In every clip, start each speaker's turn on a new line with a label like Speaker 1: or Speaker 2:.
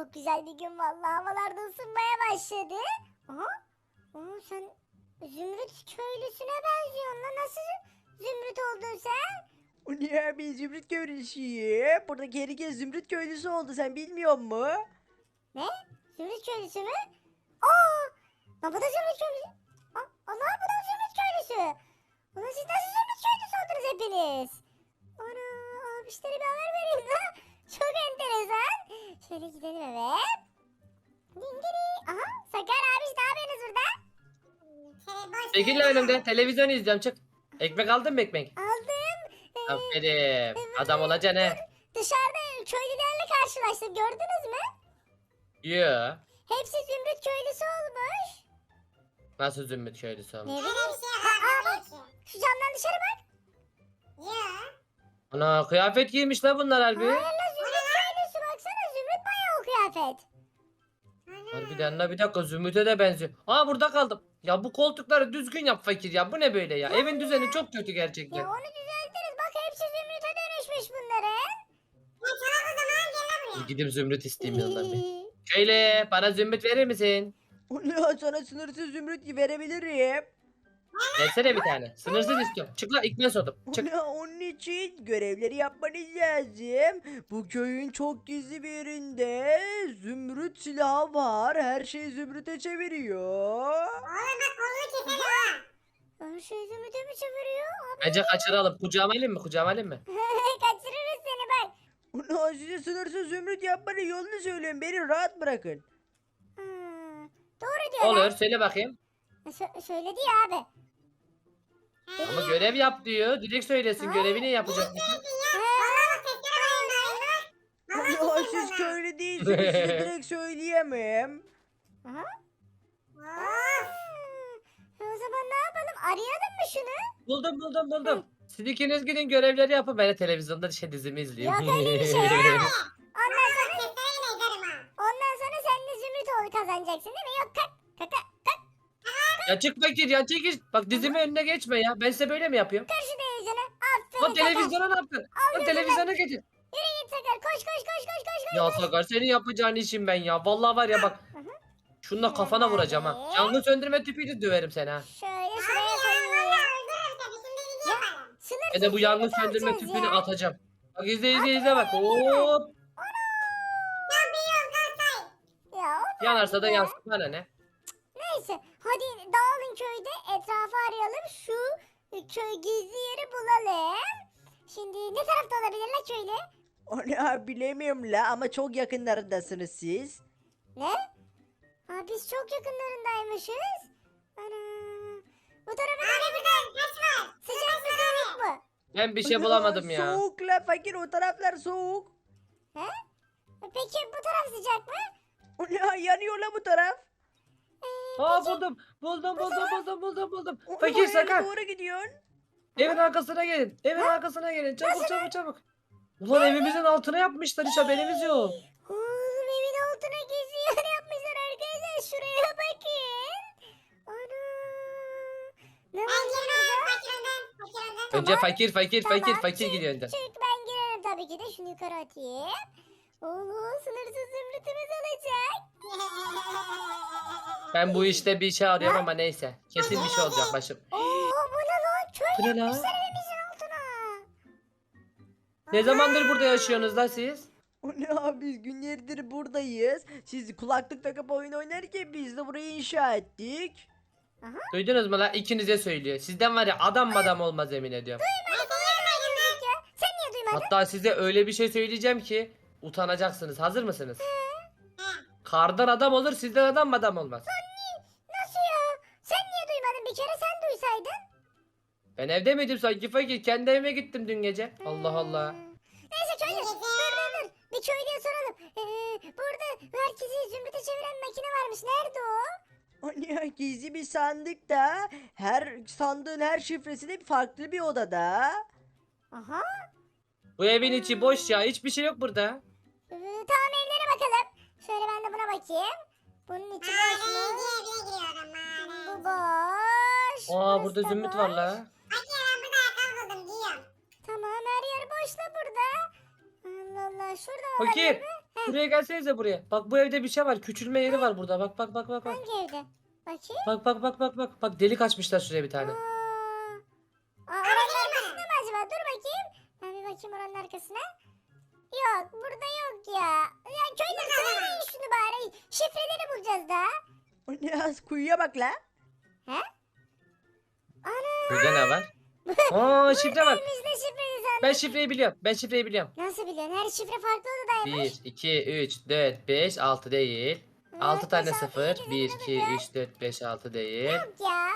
Speaker 1: çok güzel bir gün vallahi. Havalar da ısınmaya başladı. Aha. Aa, sen Zümrüt köylüsüne benziyorsun lan. Nasıl Zümrüt oldun sen?
Speaker 2: O ne abi Zümrüt köylüsüyüm. Buradaki herkes Zümrüt köylüsü oldu sen bilmiyor musun?
Speaker 1: Ne? Zümrüt köylüsü mü? Aa! Lan bu da Zümrüt köylüsü. Allah, bu da Zümrüt köylüsü. Ulan siz nasıl Zümrüt köylüsü oldunuz hepiniz? Ana, abişlere bir haber vereyim lan. Çok enteresan. Şöyle gidelim eve. Dingiri. Aha, Sakar abiş ne yapıyorsunuz burada?
Speaker 3: Çekil lan önümden. Televizyon izliyorum çık. Ekmek aldın mı ekmek?
Speaker 1: Aldım.
Speaker 3: Aferin. Adam olacaksın he.
Speaker 1: Dışarıda köylülerle karşılaştım. Gördünüz mü?
Speaker 3: Yoo.
Speaker 1: Hepsi Zümrüt köylüsü olmuş.
Speaker 3: Nasıl zümrüt köylüsü
Speaker 1: Ne
Speaker 3: olmuş?
Speaker 1: bileyim.
Speaker 4: Öyle bir şey var belki.
Speaker 1: Şu camdan dışarı bak.
Speaker 4: Ya.
Speaker 3: Ana kıyafet giymiş lan bunlar harbi.
Speaker 1: Hayır la Zümrüt köylüsü baksana. Zümrüt bayağı o kıyafet.
Speaker 3: Harbiden la bir dakika zümrüte de benziyor. Aa burada kaldım. Ya bu koltukları düzgün yap fakir ya. Bu ne böyle ya? Evin düzeni çok kötü gerçekten.
Speaker 1: Ya onu düzeltiriz. Bak hepsi Zümrüt'e dönüşmüş bunların.
Speaker 4: Ya çalak o zaman gel lan buraya.
Speaker 3: Gidip zümrüt isteyeyim yandan bir. Şöyle bana zümrüt verir misin?
Speaker 2: O ne sana sınırsız Zümrüt verebilirim.
Speaker 3: Versene bir tane. Sınırsız istiyorum. Çık lan ikna sordum.
Speaker 2: O
Speaker 3: Çık.
Speaker 2: ne onun için görevleri yapmanız lazım. Bu köyün çok gizli bir yerinde Zümrüt silahı var. Her şeyi Zümrüt'e çeviriyor.
Speaker 4: Oğlum bak kolunu keserim ha.
Speaker 1: Her şey Zümrüt'e mi çeviriyor? Abi
Speaker 3: Bence kaçıralım. Kucağıma alayım mı? Kucağıma alayım mı?
Speaker 1: kaçırırız seni bak.
Speaker 2: Ona size sınırsız Zümrüt yapmanın yolunu söylüyorum. Beni rahat bırakın.
Speaker 1: Hmm, doğru diyor
Speaker 3: Olur
Speaker 1: lan.
Speaker 3: söyle bakayım.
Speaker 1: Söyledi ya abi.
Speaker 3: Ama görev yap diyor. Direkt söylesin görevini yapacak.
Speaker 4: Vallahi bak testere alayım bari.
Speaker 2: Ona siz köylü değilsiniz. Size direkt söyleyemem.
Speaker 1: Aha.
Speaker 4: Of.
Speaker 1: O zaman ne yapalım? Arayalım mı şunu?
Speaker 3: Buldum. Siz ikiniz gidin görevleri yapın. Ben de televizyonda dizimi izleyeyim.
Speaker 1: Yok öyle bir şey ya. Ondan sonra,
Speaker 4: Bak testereyle ezerim ha.
Speaker 1: ondan sonra sen de Zümrüt ol kazanacaksın değil mi? Yok kalk.
Speaker 3: Ya çık fakir ya çekil. Bak dizimi önüne geçme ya. Ben size böyle mi yapıyorum?
Speaker 1: Kır şu televizyonu. Aferin
Speaker 3: Lan
Speaker 1: Sakar.
Speaker 3: televizyona ne yaptın? Lan televizyona getir.
Speaker 1: Yürü git Sakar. Koş.
Speaker 3: Ya Sakar senin yapacağın işim ben ya. Vallahi var ya bak. Şununla kafana vuracağım ha. Yangın söndürme tüpüyle döverim seni ha.
Speaker 1: Şöyle şuraya
Speaker 4: Ya
Speaker 1: koyayım.
Speaker 4: vallahi öldürürüm seni. Şimdi dediğini yaparım.
Speaker 1: Sınırsız
Speaker 3: Ben de bu yangın
Speaker 1: Zümrüt
Speaker 3: söndürme
Speaker 1: alacağız
Speaker 3: tüpünü
Speaker 1: ya.
Speaker 3: atacağım. Bak izle bak. Hop.
Speaker 4: Ya biliyorum kalsay.
Speaker 1: Ya o
Speaker 3: Yanarsa da
Speaker 1: ya.
Speaker 3: yansın bana ne?
Speaker 1: Neyse hadi dağılın köyde etrafı arayalım. Şu köy gizli yeri bulalım. Şimdi ne tarafta olabilir la köylü?
Speaker 2: Onu bilemiyorum la ama çok yakınlarındasınız siz.
Speaker 1: Ne? Ha biz çok yakınlarındaymışız. Ana. Bu tarafa
Speaker 4: Abi burada taş var.
Speaker 1: sıcak mı soğuk mu?
Speaker 3: Ben bir şey bulamadım ya.
Speaker 2: Soğuk la fakir o taraflar soğuk.
Speaker 1: He? Peki bu taraf sıcak mı?
Speaker 2: O ne yanıyor la bu taraf.
Speaker 3: Aa buldum.
Speaker 2: O
Speaker 3: Fakir
Speaker 2: oraya
Speaker 3: Sakar.
Speaker 2: doğru gidiyorsun.
Speaker 3: Evin arkasına gelin. Evin arkasına gelin. Çabuk. Ulan evimizin altına yapmışlar hiç haberimiz yok.
Speaker 1: Oğlum evin altına gizli yer yapmışlar arkadaşlar. Şuraya bakın. Ana. Ne
Speaker 4: Ben
Speaker 1: var
Speaker 4: girmem.
Speaker 1: burada?
Speaker 4: Fakir önden.
Speaker 3: Önce
Speaker 1: Tamam,
Speaker 3: fakir gidiyor önden.
Speaker 1: Çık ben girerim tabii ki de şunu yukarı atayım. Oo sınırsız zümrütümüz olacak.
Speaker 3: Ben bu işte bir şey arıyorum ama neyse. Kesin bir şey olacak başım.
Speaker 1: Oo bu ne lan? Köy
Speaker 3: Bu ne lan?
Speaker 1: yapmışlar evimizin altına.
Speaker 3: Ne zamandır burada yaşıyorsunuz lan siz?
Speaker 2: O ne abi biz günlerdir buradayız. Siz kulaklık takıp oyun oynarken biz de burayı inşa ettik.
Speaker 3: Duydunuz mu lan? İkinize söylüyor. Sizden var ya adam olmaz emin ediyorum.
Speaker 1: Sen niye duymadın?
Speaker 3: Hatta size öyle bir şey söyleyeceğim ki utanacaksınız. Hazır mısınız? Kardan adam olur, sizden adam olmaz.
Speaker 1: Nasıl ya? Sen niye duymadın? Bir kere sen duysaydın.
Speaker 3: Ben evde miydim sanki fakir? Kendi evime gittim dün gece. Allah Allah.
Speaker 1: Neyse köylü. Dur. Bir köylüye soralım. Burada herkesi zümrüte çeviren makine varmış. Nerede o?
Speaker 2: O ne gizli bir sandıkta. Her sandığın her şifresi de farklı bir odada.
Speaker 1: Aha.
Speaker 3: Bu evin içi boş ya. Hiçbir şey yok burada.
Speaker 1: Tamam evlere bakalım. Şöyle ben de buna bakayım. Bunun içi boş mu?
Speaker 4: Madenci evine giriyorum
Speaker 1: Bu
Speaker 4: madenci.
Speaker 1: boş.
Speaker 3: Aa
Speaker 1: burası
Speaker 3: burada
Speaker 1: da
Speaker 3: zümrüt
Speaker 1: boş.
Speaker 3: var la.
Speaker 4: Fakir ben burada ayakkabı buldum giyiyorum.
Speaker 1: Tamam her yer boş da burada. Allah Allah şurada olabilir
Speaker 3: Fakir.
Speaker 1: mi? He?
Speaker 3: Buraya gelsenize buraya. Bak bu evde bir şey var. Küçülme yeri var burada. Bak bak bak bak bak.
Speaker 1: Hangi evde? Bakayım.
Speaker 3: Bak bak bak bak bak. Bak delik açmışlar şuraya bir tane.
Speaker 1: Oranın arkasında mı acaba? Dur bakayım. Ben bir bakayım oranın arkasına. Yok burada yok ya. Ya köyden söyleyin şunu bari. Şifreleri bulacağız da.
Speaker 2: O ne az kuyuya bak la.
Speaker 1: He? Ana.
Speaker 3: Burada ne var? Aa şifre var.
Speaker 1: Biz de şifreyi sandık.
Speaker 3: Ben şifreyi biliyorum. Ben şifreyi biliyorum.
Speaker 1: Nasıl biliyorsun? Her şifre farklı odadaymış.
Speaker 3: 1, 2, 3, 4, 5, 6 değil. 6 tane 0. 1, 2, 3, 4, 5, 6 değil.
Speaker 1: Yok ya.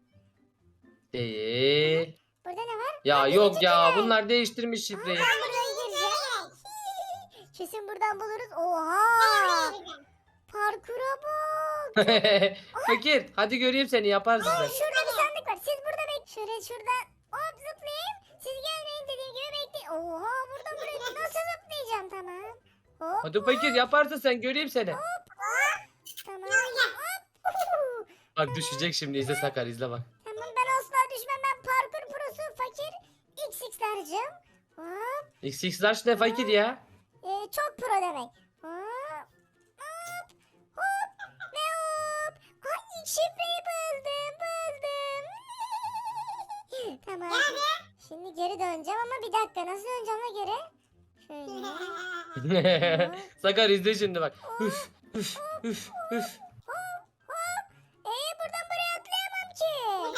Speaker 3: Değil.
Speaker 1: Burada ne var?
Speaker 3: Ya
Speaker 1: Ha,
Speaker 3: yok
Speaker 1: birinci
Speaker 3: ya
Speaker 1: tünel.
Speaker 3: bunlar değiştirmiş şifreyi.
Speaker 1: Ben buradan gireceğim. Kesin buradan buluruz. Oha. Parkura bak.
Speaker 3: Fakir hadi göreyim seni yaparsın sen.
Speaker 1: Şurada bir sandık var. Siz burada bek. Şöyle şuradan hop zıplayayım. Siz gelmeyin dediğim gibi bekleyin. Oha buradan buraya nasıl zıplayacağım tamam. Hop
Speaker 3: Hadi fakir yaparsın sen göreyim seni.
Speaker 1: tamam. Hop.
Speaker 3: Bak düşecek şimdi izle Sakar izle bak.
Speaker 1: Tamam ben asla düşmem. Ben parkur prosu fakir. XX'lercim. Hop.
Speaker 3: XX large ne fakir ya?
Speaker 1: Çok pro demek. Hop. Hop. Hop. Ve hop. Ay ilk şifreyi buldum. Tamam. Şimdi geri döneceğim ama bir dakika nasıl döneceğim la geri? Şöyle.
Speaker 3: Sakar izle şimdi bak. Üf üf üf üf.
Speaker 1: Buradan buraya atlayamam ki.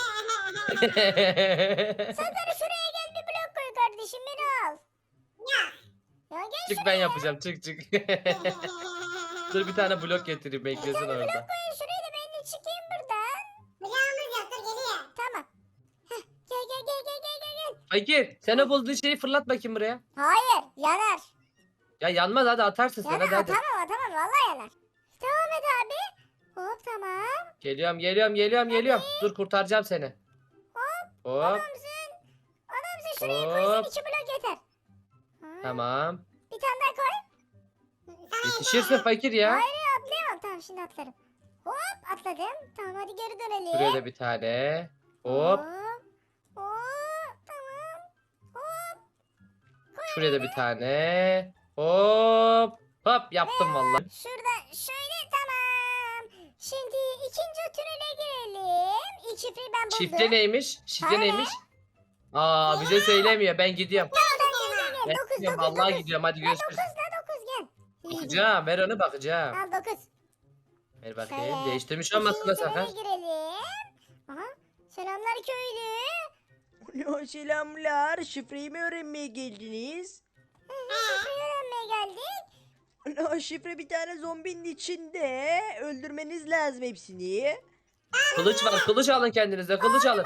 Speaker 1: Sakar şuraya gel bir blok koy kardeşim beni al. Ya gel
Speaker 3: Çık ben yapacağım çık çık. Dur bir tane blok getireyim beklesin orada.
Speaker 1: şuraya, şuraya da ben de çıkayım buradan.
Speaker 4: Bloğumuz yoktur geliyor.
Speaker 1: Tamam. Heh, gel.
Speaker 3: Fakir sen o bulduğun şeyi fırlat bakayım buraya.
Speaker 1: Hayır yanar.
Speaker 3: Ya yanmaz hadi atarsın sen
Speaker 1: Yanar
Speaker 3: hadi hadi.
Speaker 1: atamam vallahi yanar. Devam et abi. Hop tamam.
Speaker 3: Geliyorum. Dur kurtaracağım seni. Hop
Speaker 1: Adamsın şuraya koysan
Speaker 3: Hop.
Speaker 1: 2 blok yeter. Ha,
Speaker 3: tamam.
Speaker 1: Bir tane daha koy.
Speaker 3: Yetişirsin fakir ya.
Speaker 1: Hayır ya atlayamam. Tamam şimdi atlarım. Hop atladım. Tamam hadi geri dönelim.
Speaker 3: Buraya da bir tane. Hop.
Speaker 1: Hop. Tamam. Hop.
Speaker 3: Şuraya da bir tane. Hop. Hop yaptım vallahi.
Speaker 1: Şurada şöyle tamam. Şimdi ikinci tünele girelim. İlk şifreyi ben buldum.
Speaker 3: Şifre neymiş? Şifre
Speaker 1: Tane.
Speaker 3: neymiş? Aa bize söylemiyor. Ben gidiyorum.
Speaker 1: Gel,
Speaker 3: Ben
Speaker 1: dokuz,
Speaker 3: gidiyorum.
Speaker 1: dokuz,
Speaker 3: Vallahi
Speaker 1: dokuz.
Speaker 3: gidiyorum. Hadi
Speaker 1: Ya
Speaker 3: görüşürüz.
Speaker 1: 9 gel.
Speaker 3: Bakacağım. Ver onu bakacağım.
Speaker 1: Al 9.
Speaker 3: Ver bakayım.
Speaker 1: Şöyle.
Speaker 3: Değiştirmiş olmasın da
Speaker 1: İkinci
Speaker 3: Sakar.
Speaker 1: tünele girelim. Aha. Selamlar köylü.
Speaker 2: O ne o selamlar. Şifreyi mi öğrenmeye geldiniz?
Speaker 1: Şifreyi öğrenmeye geldik.
Speaker 2: O ne o şifre bir tane zombinin içinde. Öldürmeniz lazım hepsini.
Speaker 3: Kılıç var. Kılıç alın kendinize. Kılıç alın.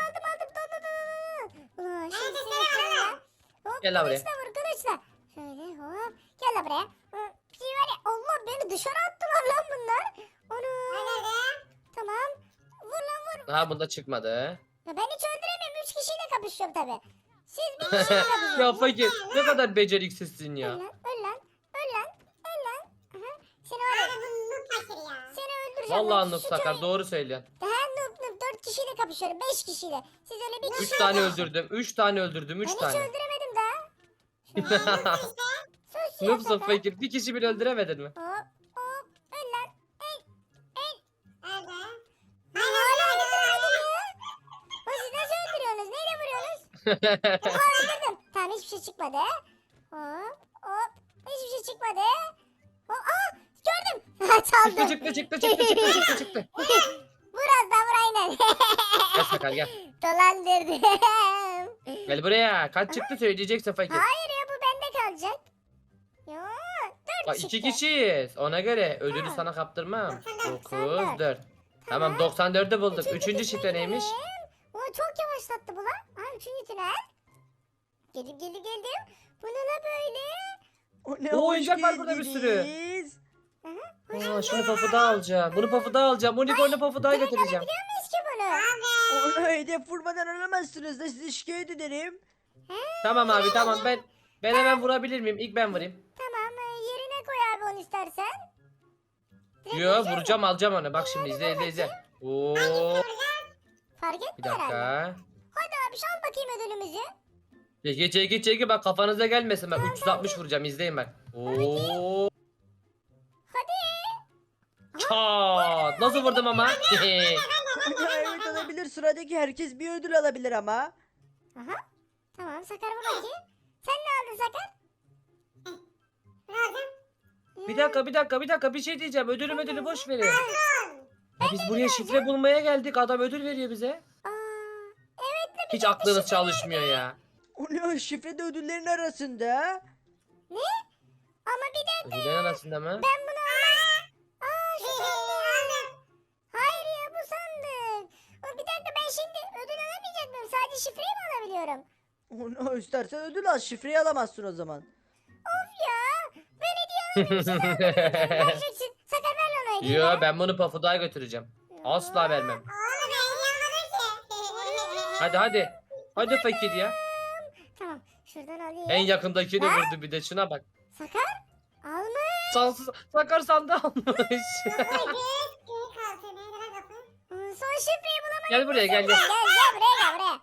Speaker 1: Ulan şimdi seni ya. Hop
Speaker 3: Gel lan buraya.
Speaker 1: kılıçla vur kılıçla. Şöyle hop. Gel lan buraya. Bir şey var ya. Allah beni dışarı attılar lan bunlar. Onu. Tamam. Vur lan vur.
Speaker 3: Daha bunda çıkmadı.
Speaker 1: Ya ben hiç öldüremiyorum. 3 kişiyle kapışıyorum tabi. Siz bir kişiyle kapışıyorsunuz.
Speaker 3: Ya fakir ne kadar beceriksizsin
Speaker 1: Öl
Speaker 3: ya.
Speaker 1: lan öl lan. Öl lan. Öl lan. Aha. Seni var ya.
Speaker 4: Abi bu noob fakir ya.
Speaker 1: Seni öldüreceğim.
Speaker 3: Vallahi
Speaker 1: Şu
Speaker 3: Nup Sakar
Speaker 1: köy-
Speaker 3: doğru söylüyorsun.
Speaker 1: Daha noob 4 kişiyle kapışıyorum. 5 kişiyle. Siz öyle bir
Speaker 3: 3
Speaker 1: kişi.
Speaker 3: tane öldürdüm. 3 tane öldürdüm.
Speaker 1: Ben
Speaker 3: 3
Speaker 1: hiç
Speaker 3: tane.
Speaker 1: öldüremedim daha. Şöyle. Sus ya
Speaker 3: Noobsun
Speaker 1: Sakar.
Speaker 3: fakir. Bir kişi bile öldüremedin mi?
Speaker 1: Hop hop. Öl lan.
Speaker 4: Öldü.
Speaker 1: Hala öldüremedim ya. O siz nasıl öldürüyorsunuz? Neyle vuruyorsunuz? Oha öldürdüm. Tamam hiçbir şey çıkmadı. Hop hop. Hiçbir şey çıkmadı. Hop. Aa gördüm. Çaldım.
Speaker 3: Çıktı.
Speaker 1: Vur az daha vur aynen.
Speaker 3: Gel Sakar gel.
Speaker 1: Dolandırdım.
Speaker 3: Gel buraya. Kaç çıktı söyleyeceksin fakir.
Speaker 1: Hayır ya bu bende kalacak. Ya 4
Speaker 3: Bak
Speaker 1: çıktı.
Speaker 3: 2 kişiyiz. Ona göre ödülü
Speaker 1: Ha.
Speaker 3: sana kaptırmam.
Speaker 1: 94.
Speaker 3: 9, 4. Tamam 94'ü bulduk.
Speaker 1: Üçüncü
Speaker 3: Üçüncü şifre
Speaker 1: tünele
Speaker 3: neymiş?
Speaker 1: girelim. Ulan çok yavaşlattı bu lan. Ha 3. tünel. Geldim. Bu ne la böyle?
Speaker 2: O ne
Speaker 3: Oo,
Speaker 2: hoş
Speaker 3: oyuncak var burada bir sürü.
Speaker 2: geldiniz.
Speaker 3: Aa, şunu pafuda alacağım. Bunu pafuda alacağım. Unicorn'u pafuda getireceğim.
Speaker 1: Biliyor muyuz ki bunu?
Speaker 2: Onu hedef vurmadan alamazsınız da sizi şikayet ederim.
Speaker 3: Tamam abi tamam ben hemen vurabilir miyim? İlk ben vurayım.
Speaker 1: Tamam yerine koy abi onu istersen. Direkt
Speaker 3: Yo
Speaker 1: vuracağız
Speaker 3: vuracağım
Speaker 1: mı?
Speaker 3: alacağım onu. Bak şimdi izle. Oo,
Speaker 1: Fark
Speaker 3: bir
Speaker 1: etme herhalde.
Speaker 3: dakika.
Speaker 1: Hadi abi al bakayım ödülümüzü.
Speaker 3: Çekil bak kafanıza gelmesin bak 360 vuracağım izleyin bak. Oo. Çat. Nasıl vurdum ama?
Speaker 2: Evet olabilir. Sıradaki herkes bir ödül alabilir ama.
Speaker 1: Aha. Tamam Sakar vur bakayım. Sen ne aldın Sakar?
Speaker 4: Ne oldu?
Speaker 3: Bir dakika bir şey diyeceğim. Ödülü boş verin. Ya biz buraya şifre bulmaya geldik. Adam ödül veriyor bize.
Speaker 1: Aa, evet de
Speaker 3: Hiç aklınız çalışmıyor ya.
Speaker 2: O ne? Şifre de ödüllerin arasında.
Speaker 1: ama bir de
Speaker 3: Ödüllerin arasında mı?
Speaker 1: ben bunu almam. Aa şu sandık. Hayır ya bu sandık. Bir dakika ben şimdi ödül alamayacak mıyım? Sadece şifreyi mi alabiliyorum?
Speaker 2: Onu istersen ödül al. Şifreyi alamazsın o zaman.
Speaker 1: Of ya. Ben hediye alamayacağım. Vereceksin. Sakar ver lan o hediyeyi.
Speaker 3: Yo ben bunu Pafuduk'a götüreceğim. Asla vermem.
Speaker 4: Oğlum ben yanmadım ki.
Speaker 3: Hadi. Hadi fakir ya.
Speaker 1: Tamam şuradan alayım.
Speaker 3: En yakındakini vurdu bir de şuna bak.
Speaker 1: Sakar almış.
Speaker 3: Sakar sandı almış.
Speaker 4: Geri kaldı. Nerede lan kapı?
Speaker 1: Son şifreyi bulamadım.
Speaker 3: Gel buraya gel.
Speaker 1: Gel buraya gel.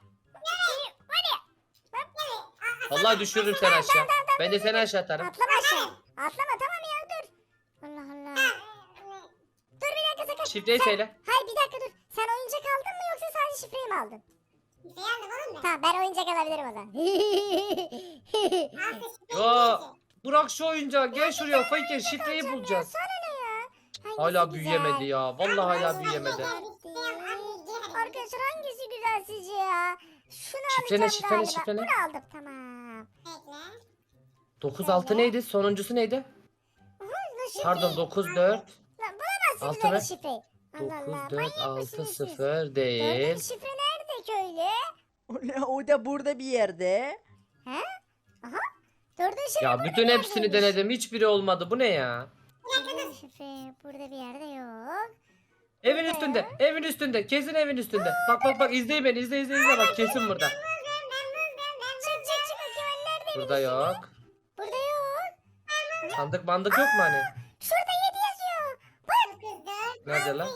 Speaker 3: Vallahi düşürürüm seni aşağı. Ben de seni aşağı atarım.
Speaker 1: Atlama aşağı. Atlama tamam ya dur. Allah Allah. Dur bir dakika Sakar.
Speaker 3: Şifreyi söyle.
Speaker 1: Hayır bir dakika dur. Sen oyuncak aldın mı yoksa sadece şifreyi mi aldın?
Speaker 4: Bir şey aldım oğlum ben.
Speaker 1: Tamam ben oyuncak alabilirim o zaman.
Speaker 3: Yo bırak şu oyuncağı gel şuraya fakir şifreyi bulacağız.
Speaker 1: Sana ne ya? Hangisi
Speaker 3: Hala
Speaker 1: güzel?
Speaker 3: büyüyemedi ya. Vallahi hala büyüyemedi.
Speaker 1: Arkadaşlar hangisi güzel sizce ya? Şunu
Speaker 3: Şifre ne,
Speaker 1: alacağım
Speaker 3: şifre ne,
Speaker 1: galiba.
Speaker 3: şifre ne?
Speaker 1: Bunu aldım tamam.
Speaker 4: Bekle.
Speaker 3: 9-6 neydi? Sonuncusu neydi?
Speaker 1: Nasıl
Speaker 3: Pardon 9-4.
Speaker 1: Lan bulamazsınız
Speaker 3: Altı
Speaker 1: öyle
Speaker 3: mı?
Speaker 1: şifreyi. Allah Allah.
Speaker 3: 9-4-6-0
Speaker 1: Dördüncü
Speaker 3: değil.
Speaker 1: şifre nerede köylü?
Speaker 2: O ne? O da burada bir yerde.
Speaker 1: He? Aha. Dördüncü şifre
Speaker 3: Ya
Speaker 1: burada
Speaker 3: bütün
Speaker 1: bir
Speaker 3: hepsini
Speaker 1: yerdeymiş.
Speaker 3: denedim. Hiçbiri olmadı. Bu ne ya?
Speaker 1: Dördüncü şifre burada bir yerde yok.
Speaker 3: Evin üstünde. Evin üstünde. Kesin evin üstünde. Bak izleyin beni. İzle bak kesin burada.
Speaker 1: Çık bakayım hani nerede
Speaker 3: Burada yok.
Speaker 1: Burada yok.
Speaker 3: Sandık bandık yok mu hani?
Speaker 1: Şurada 7 yazıyor. Bak.
Speaker 3: Nerede lan?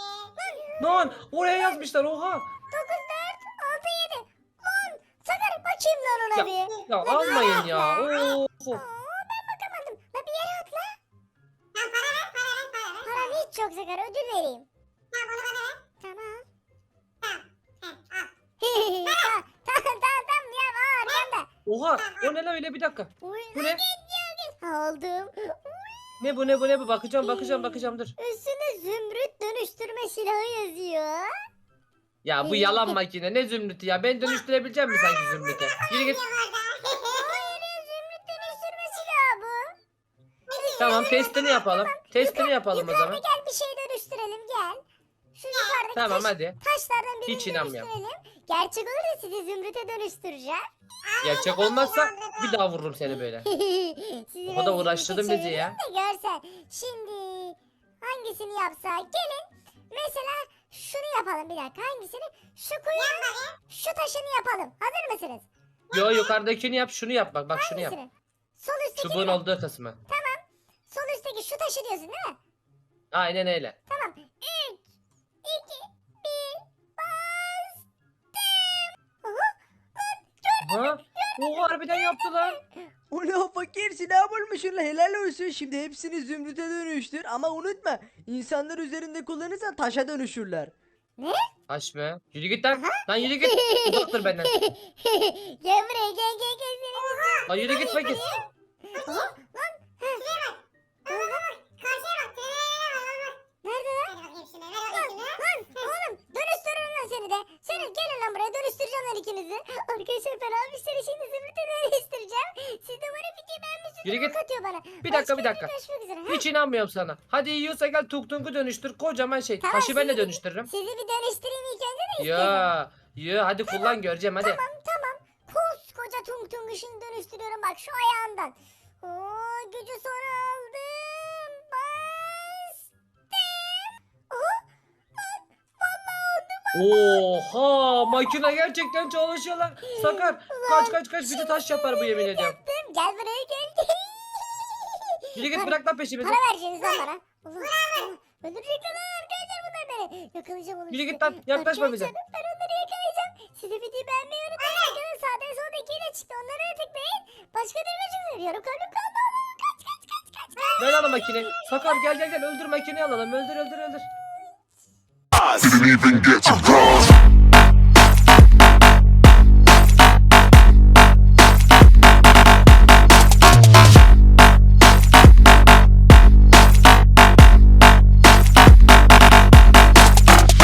Speaker 3: Lan oraya yazmışlar oha.
Speaker 1: 9, 4, 6, 7. Lan Sakar bakayım lan ona
Speaker 3: Ya,
Speaker 1: bir.
Speaker 3: ya almayın ya. Oo.
Speaker 1: Ben bakamadım. La bir yere atla.
Speaker 4: Tamam para ver para ver para ver.
Speaker 1: Param hiç yok Sakar ödül vereyim.
Speaker 4: Tamam onu bana ver.
Speaker 1: Tamam.
Speaker 4: Tamam. Heh, al.
Speaker 1: Tamam ya arkanda.
Speaker 3: Oha o ne lan öyle bir dakika.
Speaker 1: Uy,
Speaker 3: Bu ne?
Speaker 1: aldım.
Speaker 3: Ne bu bakacağım dur.
Speaker 1: Üstünde zümrüt dönüştürme silahı yazıyor.
Speaker 3: Ya bu yalan makine ne zümrütü ya ben dönüştürebileceğim mi sanki zümrüte? Yürü git.
Speaker 1: Hayır ya zümrüt dönüştürme silahı bu.
Speaker 3: Tamam testini yapalım o zaman.
Speaker 1: Gel bir şey dönüştürelim gel. Şu yukarıdaki
Speaker 3: Tamam hadi.
Speaker 1: taşlardan birini
Speaker 3: Hiç inanmıyorum.
Speaker 1: dönüştürelim. Gerçek olursa sizi zümrüte dönüştüreceğim.
Speaker 3: Gerçek olmazsa bir daha vururum seni böyle.
Speaker 1: Sizi
Speaker 3: O
Speaker 1: ben
Speaker 3: kadar uğraştırdın
Speaker 1: zümrüte
Speaker 3: bizi ya.
Speaker 1: çevireyim de görsen. Şimdi hangisini yapsak? Gelin. Mesela şunu yapalım bir dakika. Hangisini? Şu kuyunun şu taşını yapalım. Hazır mısınız?
Speaker 3: Yo yukarıdakini yap şunu yap bak şunu yap.
Speaker 1: Hangisini? Sol üstteki
Speaker 3: Çubuğun
Speaker 1: mi?
Speaker 3: olduğu kısmı.
Speaker 1: Sol üstteki şu taşı diyorsun değil mi?
Speaker 3: Aynen öyle.
Speaker 1: Tamam. 3, 2, 1, bastım. Aha.
Speaker 3: Ha? Oha harbiden yaptı lan.
Speaker 2: O ne? Fakir silah bulmuşsun lan. Helal olsun. Şimdi hepsini zümrüte dönüştür. Ama unutma. İnsanlar üzerinde kullanırsan taşa dönüşürler.
Speaker 3: Taş mı? Yürü git lan. Lan yürü git. Uzak dur benden.
Speaker 1: Gel buraya gel seni.
Speaker 3: Lan yürü git fakir.
Speaker 1: Aha.
Speaker 4: Karşıya bak. Trene bak.
Speaker 1: Nerede lan?
Speaker 4: Hadi bakayım şunu. Ver bakayım şunu.
Speaker 1: Lan oğlum dönüştürürüm lan seni de. Seni gelin lan buraya dönüştüreceğim lan ikinizi. Arkadaşlar ben almışları şimdi zümrüte dönüştüreceğim. Siz de bana videoyu beğenmişsiniz.
Speaker 3: Yürü git.
Speaker 1: Katıyor bana.
Speaker 3: Bir dakika, bir
Speaker 1: Başka
Speaker 3: dakika.
Speaker 1: görüşmek üzere. Ha?
Speaker 3: Hiç inanmıyorum sana. Hadi yiyorsa gel tuk tuku dönüştür. Kocaman şey.
Speaker 1: Tamam,
Speaker 3: Taşı ben de
Speaker 1: sizi-
Speaker 3: dönüştürürüm.
Speaker 1: Sizi bir dönüştüreyim ilk önce de istiyorum.
Speaker 3: Ya hadi kullan göreceğim hadi.
Speaker 1: Tamam. Koskoca tung tung ışını dönüştürüyorum bak şu ayağından. Oo, gücü sonra aldım. Bastım. Aha.
Speaker 3: Oha makine gerçekten çalışıyor lan. Sakar kaç bizi taş yapar bu yemin ediyorum.
Speaker 1: Yaptım. Gel buraya gel.
Speaker 3: Yürü git bırak lan peşimizi.
Speaker 1: Para vereceksiniz lan bana. Allah. Öldürecekler lan arkadaşlar bunlar beni. Yakalayacağım onu.
Speaker 3: Yürü
Speaker 1: işte.
Speaker 3: git lan, yaklaşma bize.
Speaker 1: Arkadaşlar, ben onları yakalayacağım. Siz de videoyu beğenmeyi unutmayın. Bakın sağda solda ikiyle çıktı. Onları da tıklayın. Başka bir mesajı veriyorum. Kalbim kaldı. Kaç.
Speaker 3: Ver lan o makineyi. Sakar gel öldür makineyi alalım. Öldür.
Speaker 5: Didn't even get to cross.